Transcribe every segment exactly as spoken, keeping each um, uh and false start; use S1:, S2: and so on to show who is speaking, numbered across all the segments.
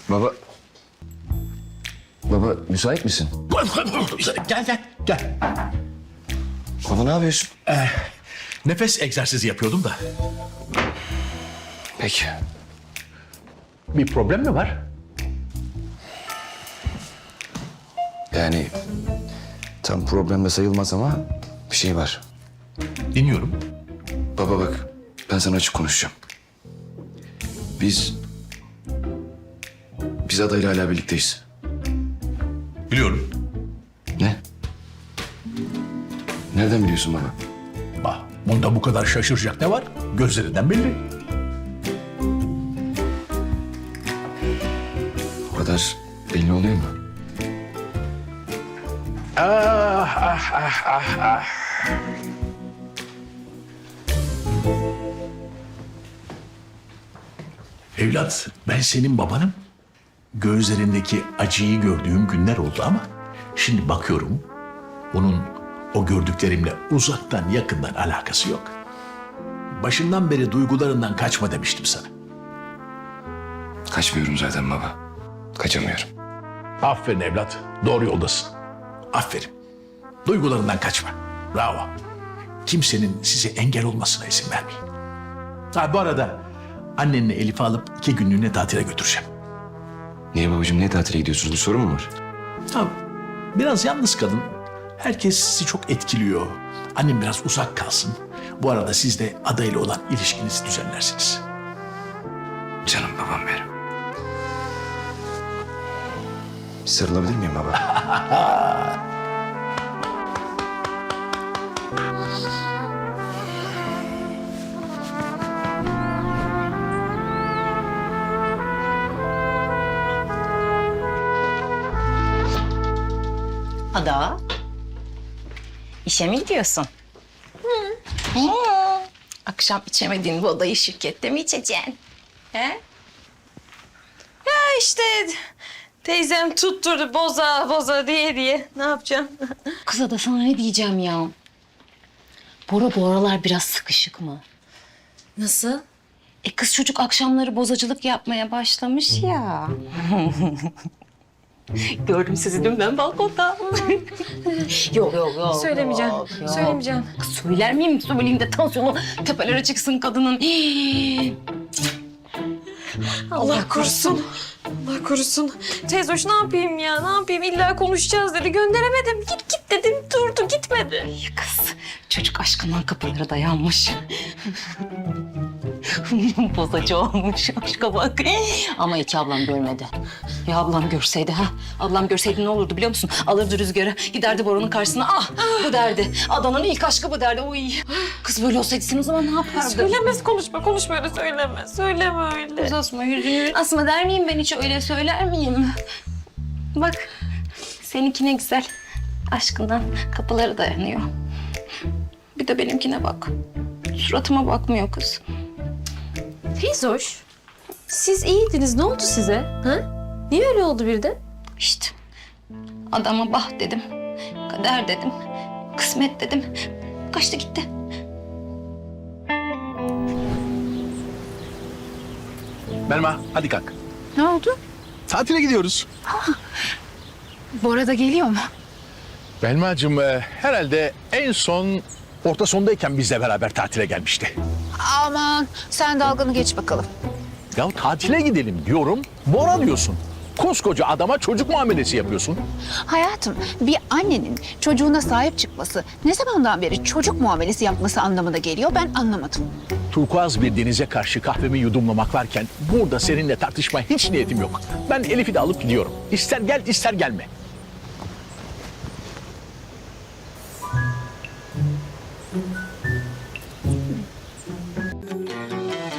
S1: Baba... Baba müsait misin?
S2: Gel gel gel.
S1: Baba ne yapıyorsun?
S2: Nefes egzersizi yapıyordum da.
S1: Peki.
S2: Bir problem mi var?
S1: Yani tam problemde sayılmaz ama bir şey var.
S2: Dinliyorum.
S1: Baba bak ben sana açık konuşacağım. Biz... Biz adayla hala birlikteyiz.
S2: Biliyorum.
S1: Ne? Nereden biliyorsun baba?
S2: Bak, bunda bu kadar şaşıracak ne var? Gözlerinden belli.
S1: O kadar belli oluyor mu?
S2: Ah ah ah ah ah. Evlat, ben senin babanım. Gözlerindeki acıyı gördüğüm günler oldu ama şimdi bakıyorum bunun o gördüklerimle uzaktan yakından alakası yok. Başından beri duygularından kaçma demiştim sana.
S1: Kaçmıyorum zaten baba. Kaçamıyorum.
S2: Aferin evlat, doğru yoldasın. Aferin. Duygularından kaçma. Bravo. Kimsenin size engel olmasına izin vermeyin. Ha bu arada annenle Elif'i alıp iki günlüğüne tatile götüreceğim.
S1: Niye babacığım, niye tatile gidiyorsunuz? Bir sorun mu var?
S2: Ha, biraz yalnız kalın. Herkes sizi çok etkiliyor. Annem biraz uzak kalsın. Bu arada siz de adayla olan ilişkinizi düzenlersiniz.
S1: Canım babam benim. Sarılabilir miyim baba?
S3: Ada, işe mi gidiyorsun? Hı. Akşam içemediğin bu odayı şirkette mi içeceksin? He?
S4: Ya işte teyzem tutturdu boza boza diye diye. Ne yapacağım?
S3: Kız Ada, sana ne diyeceğim ya? Bora bu aralar biraz sıkışık mı?
S4: Nasıl?
S3: E kız çocuk akşamları bozacılık yapmaya başlamış ya. Gördüm sizi dün ben balkonda. yok yok yok.
S4: Söylemeyeceğim.
S3: yok, yok.
S4: Söylemeyeceğim.
S3: Kız söyler miyim? Söyleyeyim de tansiyonu tepelere çıksın kadının.
S4: Allah korusun. Allah korusun. Teyze hoş ne yapayım ya? Ne yapayım? İlla konuşacağız dedi. Gönderemedim. Git git dedim. Durdu gitmedi.
S3: Kız çocuk aşkından kapılara dayanmış. Bozacı olmuş aşka bak. Ama iki ablam görmedi. Ya ablam görseydi ha? Ablam görseydi ne olurdu biliyor musun? Alırdı rüzgarı, giderdi Bora'nın karşısına. Ah bu derdi. Adanın ilk aşkı bu derdi. Oy. Kız böyle olsaydı sen o zaman ne yapardın?
S4: Söylemez konuşma. Konuşma öyle söyleme. Söyleme öyle.
S3: Kız Asma yüzünü. Asma der miyim ben hiç öyle söyler miyim? Bak seninki ne güzel. Aşkından kapıları dayanıyor. Bir de benimkine bak. Suratıma bakmıyor kız.
S4: Teyze hoş. Siz iyiydiniz. Ne oldu size? Ha? Niye öyle oldu birden?
S3: İşte adama bah dedim, kader dedim, kısmet dedim. Kaçtı gitti.
S2: Belma hadi kalk.
S5: Ne oldu?
S2: Tatile gidiyoruz.
S5: Bora da geliyor mu?
S2: Belma'cığım e, herhalde en son orta sondayken bizle beraber tatile gelmişti.
S5: Aman sen dalganı geç bakalım.
S2: Ya tatile gidelim diyorum, Bora diyorsun. Koskoca adama çocuk muamelesi yapıyorsun.
S5: Hayatım, bir annenin çocuğuna sahip çıkması ne zamandan beri çocuk muamelesi yapması anlamına geliyor ben anlamadım.
S2: Turkuaz bir denize karşı kahvemi yudumlamak varken burada seninle tartışmaya hiç niyetim yok. Ben Elif'i de alıp gidiyorum. İster gel ister gelme.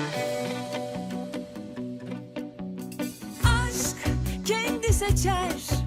S6: Aşk kendi seçer